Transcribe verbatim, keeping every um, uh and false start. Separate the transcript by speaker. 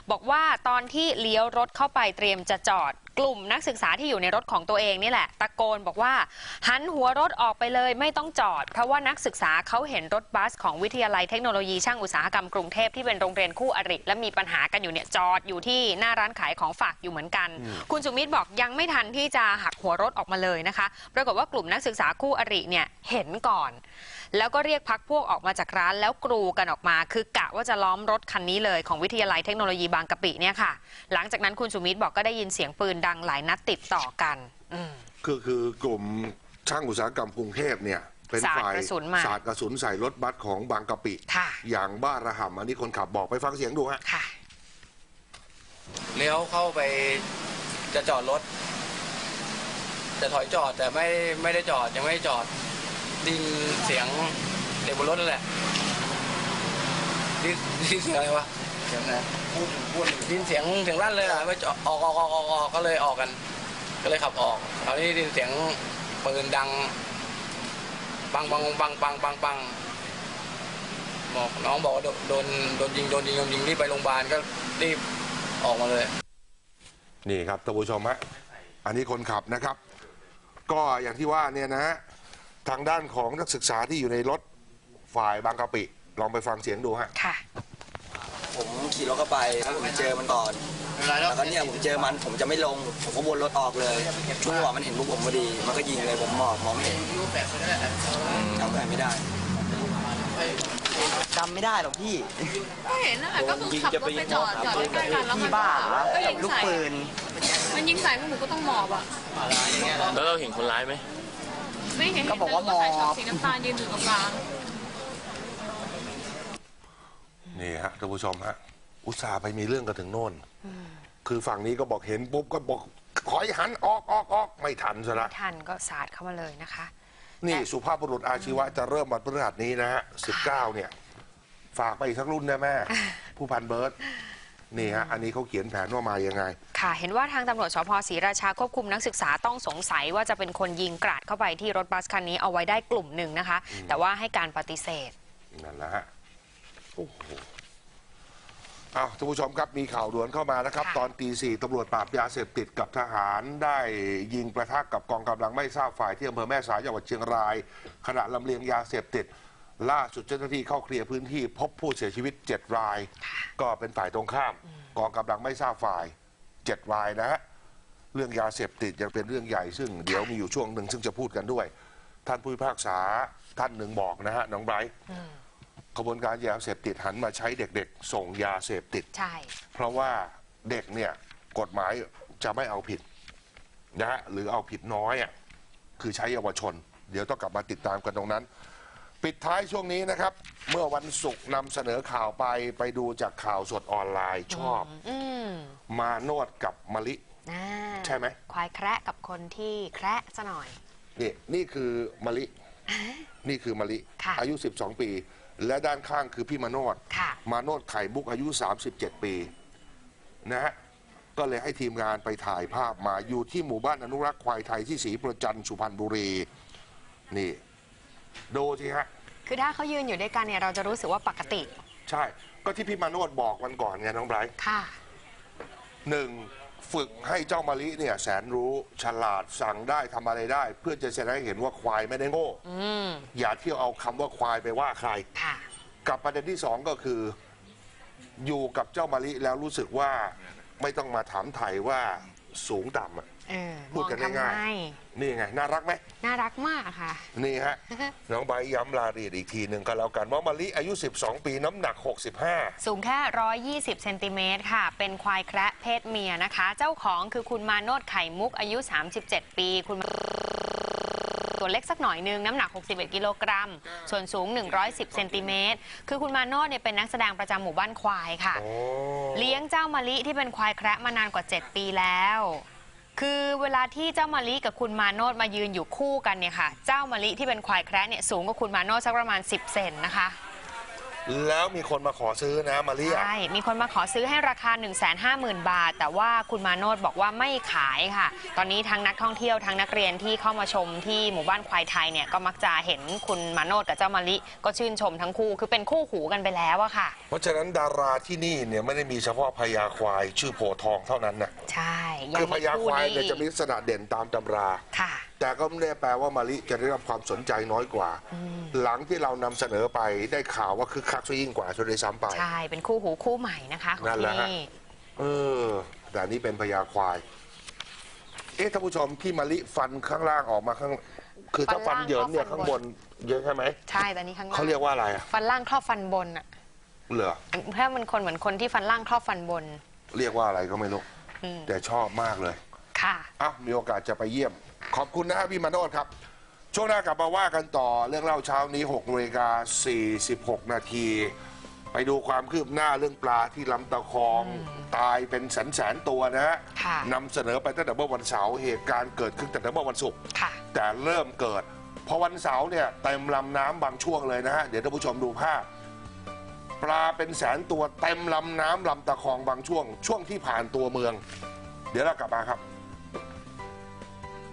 Speaker 1: บอกว่าตอนที่เลี้ยวรถเข้าไปเตรียมจะจอดกลุ่มนักศึกษาที่อยู่ในรถของตัวเองนี่แหละตะโกนบอกว่าหันหัวรถออกไปเลยไม่ต้องจอดเพราะว่านักศึกษาเขาเห็นรถบัสของวิทยาลัยเทคโนโลยีช่างอุตสาหกรรมกรุงเทพที่เป็นโรงเรียนคู่อริและมีปัญหากันอยู่เนี่ยจอดอยู่ที่หน้าร้านขายของฝากอยู่เหมือนกันคุณสุมิตรบอกยังไม่ทันที่จะหักหัวรถออกมาเลยนะคะปรากฏว่ากลุ่มนักศึกษาคู่อริเนี่ยเห็นก่อนแล้วก็เรียกพรรคพวกออกมาจากร้านแล้วกรูกันออกมาคือกะว่าจะล้อมรถคันนี้เลยของวิทยาลัยเทคโนโลยีบางกะปิเนี่ยค่ะหลังจากนั้นคุณสุมิตรบอกก็ได้ยินเสียงปืนดังหลายนัดติดต่อกัน
Speaker 2: คือคือกลุ่มช่างอุตสาหกรรมกรุงเทพเนี่ยเป็นฝ่ายสาดกระสุนใส่รถบัสของบางกะปิอย่างบ้าระห่ำอันนี้คนขับบอกไปฟังเสียงดูฮะ
Speaker 3: เลี้ยวเข้าไปจะจอดรถจะถอยจอดแต่ไม่ไม่ได้จอดยังไม่ได้จอดดินเสียงเด็กบนรถนั่นแหละดินดินเสียงอะไรวะเสียงอะไรพูดพูดดินเสียงเสียงลั่นเลยอ่ะไม่ออกออกออกออกออกก็เลยออกกันก็เลยขับออกคราวนี้ดินเสียงปืนดังปังปังปังปังปังปังบอกน้องบอกว่าโดนโดนยิงโดนยิงโดนยิงรีบไปโรงพยาบาลก็รีบออกมาเลย
Speaker 2: นี่ครับท่านผู้ชมฮะอันนี้คนขับนะครับก็อย่างที่ว่าเนี่ยนะฮะทางด้านของนักศึกษาที่อยู่ในรถฝ่ายบางกะปิลองไปฟังเสียงดูฮะ
Speaker 4: ค่ะผมขี่รถเข้าไปแล้วผมเจอมันก่อนแล้วก็เนี่ยผมเจอมันผมจะไม่ลงผมก็วนรถออกเลยช่วงจังหวะมันเห็นพวกผมพอดีมันก็ยิงเลยผมมองมองไม่เห็นจำอะไรไม่ได้จำไม่ได้หรอกพี่
Speaker 5: ก็เห็นนั่นแหละก็คือขับรถไปจอดจอดใกล้ๆกันแล้วมันก็ยิงใส่มันยิงใส่พวกหนูก็ต้องหมอบอ่ะ
Speaker 6: แล้วเราเห็นคนร้ายไหม
Speaker 5: ไม่เห็นก็บอกว่าหมอบสีน้ำตาลยืนอยู่ตรงกลาง
Speaker 2: นี่ฮะท่านผู้ชมฮะอุตส่าห์ไปมีเรื่องกันถึงโน่นคือฝั่งนี้ก็บอกเห็นปุ๊บก็บอกขอให้หันออกออกออกไม่ทันซะละ
Speaker 1: ไม่ทันก็สาดเข้ามาเลยนะคะ
Speaker 2: นี่สุภาพบุรุษอาชีวะจะเริ่มวันพฤหัสนี้นะฮะสิบเก้าเนี่ยฝากไปอีกสักรุ่นนะแม่ผู้พันเบิร์ตนี่ฮะอันนี้เขาเขียนแผนว่ามายังไง
Speaker 1: ค่ะเห็นว่าทางตำรวจสภ.ศรีราชาควบคุมนักศึกษาต้องสงสัยว่าจะเป็นคนยิงกราดเข้าไปที่รถบัสคันนี้เอาไว้ได้กลุ่มหนึ่งนะคะแต่ว่าให้การปฏิเสธ
Speaker 2: นั่นแหละฮะโอ้โหอ้าวท่านผู้ชมครับมีข่าวด่วนเข้ามานะครับตอนตีสี่ตำรวจปราบยาเสพติดกับทหารได้ยิงประทะกับกองกำลังไม่ทราบฝ่ายที่อำเภอแม่สายจังหวัดเชียงรายขณะลำเลียงยาเสพติดล่าสุดเจ้าหน้าที่เข้าเคลียร์พื้นที่พบผู้เสียชีวิตเจ็ดรายก็เป็นฝ่ายตรงข้ามกองกำลังไม่ทราบฝ่ายเจ็ดรายนะฮะเรื่องยาเสพติดยังเป็นเรื่องใหญ่ซึ่งเดี๋ยวมีอยู่ช่วงหนึ่งซึ่งจะพูดกันด้วยท่านผู้พิพากษาท่านหนึ่งบอกนะฮะน้องไบรท์ขบวนการยาเสพติดหันมาใช้เด็กๆส่งยาเสพติด
Speaker 1: ใช่
Speaker 2: เพราะว่าเด็กเนี่ยกฎหมายจะไม่เอาผิดนะฮะหรือเอาผิดน้อยอ่ะคือใช้เยาวชนเดี๋ยวต้องกลับมาติดตามกันตรงนั้นปิดท้ายช่วงนี้นะครับเมื่อวันศุกร์นำเสนอข่าวไปไปดูจากข่าวสดออนไลน์ชอบมาโนดกับมะลิใช่ไหม
Speaker 1: ควายแคระกับคนที่แคระซะหน่อย
Speaker 2: นี่นี่คือมะลินี่คือมะลิอายุสิบสองปีและด้านข้างคือพี่มาโนดมาโนดไข่มุกอายุสามสิบเจ็ดปีนะฮะก็เลยให้ทีมงานไปถ่ายภาพมาอยู่ที่หมู่บ้านอนุรักษ์ควายไทยที่ศรีประจันสุพรรณบุรีนี่ดูสิฮะ
Speaker 1: คือถ้าเขายืนอยู่ด้วยกันเนี่ยเราจะรู้สึกว่าปกติ
Speaker 2: ใช่ก็ที่พี่มาโนดบอกวันก่อนไงน้องไบรท์
Speaker 1: ค่ะ
Speaker 2: หนึ่งฝึกให้เจ้ามะลิเนี่ยแสนรู้ฉลาดสั่งได้ทำอะไรได้เพื่อจะแสดงให้เห็นว่าควายไม่ได้โง่อย่าเที่ยวเอาคำว่าควายไปว่าใครกับประเด็นที่สองก็คืออยู่กับเจ้ามะลิแล้วรู้สึกว่าไม่ต้องมาถามไถ่ว่าสูงต่ำพูดกันง่ายๆนี่ไงน่ารักไหม
Speaker 1: น่ารักมากค่ะ
Speaker 2: นี่ฮะน้องใบย้ำรายละเอียดอีกทีหนึ่งก็แล้วกันว่ามะลิอายุสิบสองปีน้ำหนักหกสิบห้า
Speaker 1: สูงแค่หนึ่งร้อยยี่สิบเซนติเมตรค่ะเป็นควายแคระเพศเมียนะคะเจ้าของคือคุณมาโนดไข่มุกอายุสามสิบเจ็ดปีคุณตัวเล็กสักหน่อยนึงน้ำหนักหกสิบเอ็ดกิโลกรัมส่วนสูงหนึ่งร้อยสิบเซนติเมตรคือคุณมาโนดเนี่ยเป็นนักแสดงประจำหมู่บ้านควายค่ะเลี้ยงเจ้ามะลิที่เป็นควายแคระมานานกว่าเจ็ดปีแล้วคือเวลาที่เจ้ามะลิกับคุณมาโนดมายืนอยู่คู่กันเนี่ยค่ะเจ้ามะลิที่เป็นควายแคระเนี่ยสูงกว่าคุณมาโนดสักประมาณสิบเซนนะคะ
Speaker 2: แล้วมีคนมาขอซื้อนะมาเรียก
Speaker 1: ใช่ มีคนมาขอซื้อให้ราคา หนึ่งแสนห้าหมื่น บาท แต่ว่าคุณมาโนดบอกว่าไม่ขายค่ะ ตอนนี้ทั้งนักท่องเที่ยวทั้งนักเรียนที่เข้ามาชมที่หมู่บ้านควายไทยเนี่ยก็มักจะเห็นคุณมาโนดกับเจ้ามะลิก็ชื่นชมทั้งคู่คือเป็นคู่หูกันไปแล้วอะค่ะ
Speaker 2: เพราะฉะนั้นดาราที่นี่เนี่ยไม่ได้มีเฉพาะพญาควายชื่อโพธิ์ทองเท่านั้นนะ
Speaker 1: ใช่
Speaker 2: คือพญาควายเนี่ย
Speaker 1: นี้
Speaker 2: จะมีลักษณะเด่นตามตำรา
Speaker 1: ค่ะ
Speaker 2: แต่ก็ไม่ได้แปลว่ามะลิจะได้รับความสนใจน้อยกว่า หลังที่เรานำเสนอไปได้ข่าวว่าคึกคักซะยิ่งกว่าซะด้วยซ้ำไป
Speaker 1: ใช่ เป็นคู่หูคู่ใหม่นะคะของ
Speaker 2: นั่นแห
Speaker 1: ที่
Speaker 2: ละฮะ
Speaker 1: นี่
Speaker 2: เออแต่อันนี้เป็นพญาควาย เอ๊ะท่านผู้ชมที่มะลิฟันข้างล่างออกมาข้าง คือถ้าฟันเหยินเนี่ยข้างบนเยอะใช่ไหม
Speaker 1: ใช่แต่นี้ข้างล่าง
Speaker 2: เขาเรียกว่าอะไรอะ
Speaker 1: ฟันล่างครอบฟันบนอะ
Speaker 2: เหรอ
Speaker 1: ถ้ามันคนเหมือนคนที่ฟันล่างครอบฟันบน
Speaker 2: เรียกว่าอะไรก็ไม่รู้
Speaker 1: อืม
Speaker 2: แต่ชอบมากเลย
Speaker 1: ค่ะ
Speaker 2: อ่ะมีโอกาสจะไปเยี่ยม ขอบคุณนะฮะพี่มาโนดครับ ช่วงหน้ากลับมาว่ากันต่อเรื่องเล่าเช้านี้หกนาฬิกาสี่สิบหกนาที ไปดูความคืบหน้าเรื่องปลาที่ลำตะคอง ตายเป็นแสนแสนๆตัวนะฮะ
Speaker 1: ค่ะ
Speaker 2: นำเสนอไปตั้งแต่เมื่อวันเสาร์เหตุการณ์เกิดขึ้นตั้งแต่เมื่อวันศุกร์
Speaker 1: ค่ะ
Speaker 2: แต่เริ่มเกิด พอวันเสาร์เนี่ยเต็มลำน้ำบางช่วงเลยนะฮะ เดี๋ยวท่านผู้ชมดูภาพ ปลาเป็นแสนตัวเต็มลำน้ำลำตะคองบางช่วง ช่วงที่ผ่านตัวเมือง เดี๋ยวเรากลับมาครับ